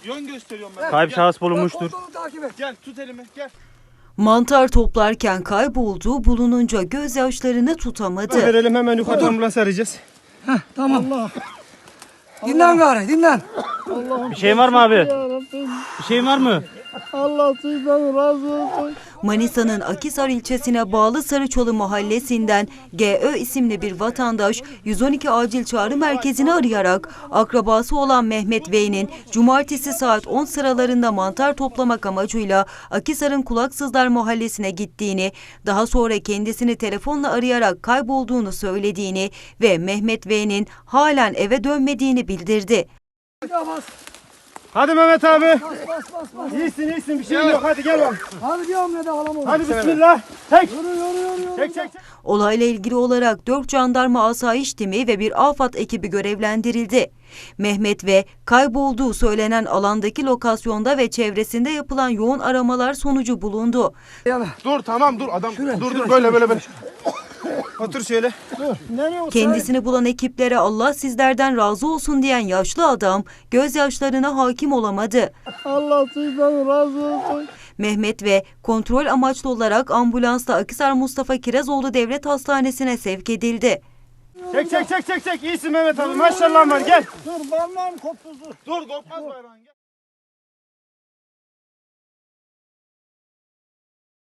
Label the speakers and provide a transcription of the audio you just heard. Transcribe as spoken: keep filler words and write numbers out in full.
Speaker 1: Yön gösteriyorum ben.
Speaker 2: Kayıp şahıs bulunmuştur.
Speaker 1: Gel tut elimi gel.
Speaker 3: Mantar toplarken kaybolduğu bulununca gözyaşlarını tutamadı.
Speaker 1: Verelim hemen yukarıdan ambulans arayacağız.
Speaker 4: Tamam. Allah. Dinlen gari dinlen.
Speaker 2: Bir şey var mı abi? Bir şey var mı?
Speaker 4: Allah sizden razı olsun.
Speaker 3: Manisa'nın Akhisar ilçesine bağlı Sarıçolu mahallesinden G Ö isimli bir vatandaş yüz on iki acil çağrı merkezini arayarak akrabası olan Mehmet V'nin cumartesi saat on sıralarında mantar toplamak amacıyla Akhisar'ın Kulaksızlar mahallesine gittiğini, daha sonra kendisini telefonla arayarak kaybolduğunu söylediğini ve Mehmet V'nin halen eve dönmediğini bildirdi.
Speaker 1: Hadi Mehmet abi.
Speaker 4: Bas bas bas bas.
Speaker 1: İyisin iyisin bir şey yok hadi gel bak.
Speaker 4: Hadi diyorum ne de alamam.
Speaker 1: Hadi bismillah. Çek.
Speaker 4: Yürü yürü yürü.
Speaker 1: Çek çek çek.
Speaker 3: Olayla ilgili olarak dört jandarma asayiş timi ve bir AFAD ekibi görevlendirildi. Mehmet ve kaybolduğu söylenen alandaki lokasyonda ve çevresinde yapılan yoğun aramalar sonucu bulundu.
Speaker 4: Yana.
Speaker 1: Dur tamam dur adam dur dur böyle böyle böyle. Otur şöyle.
Speaker 3: Kendisini bulan ekiplere Allah sizlerden razı olsun diyen yaşlı adam gözyaşlarına hakim olamadı.
Speaker 4: Allah sizden razı olsun.
Speaker 3: Mehmet ve kontrol amaçlı olarak ambulansla Akhisar Mustafa Kirazoğlu Devlet Hastanesi'ne sevk edildi.
Speaker 1: Çek çek çek çek çek. İyisin Mehmet abi maşallah var gel.
Speaker 4: Dur parmağım koptu dur.
Speaker 1: Dur korkmaz bayrağın gel.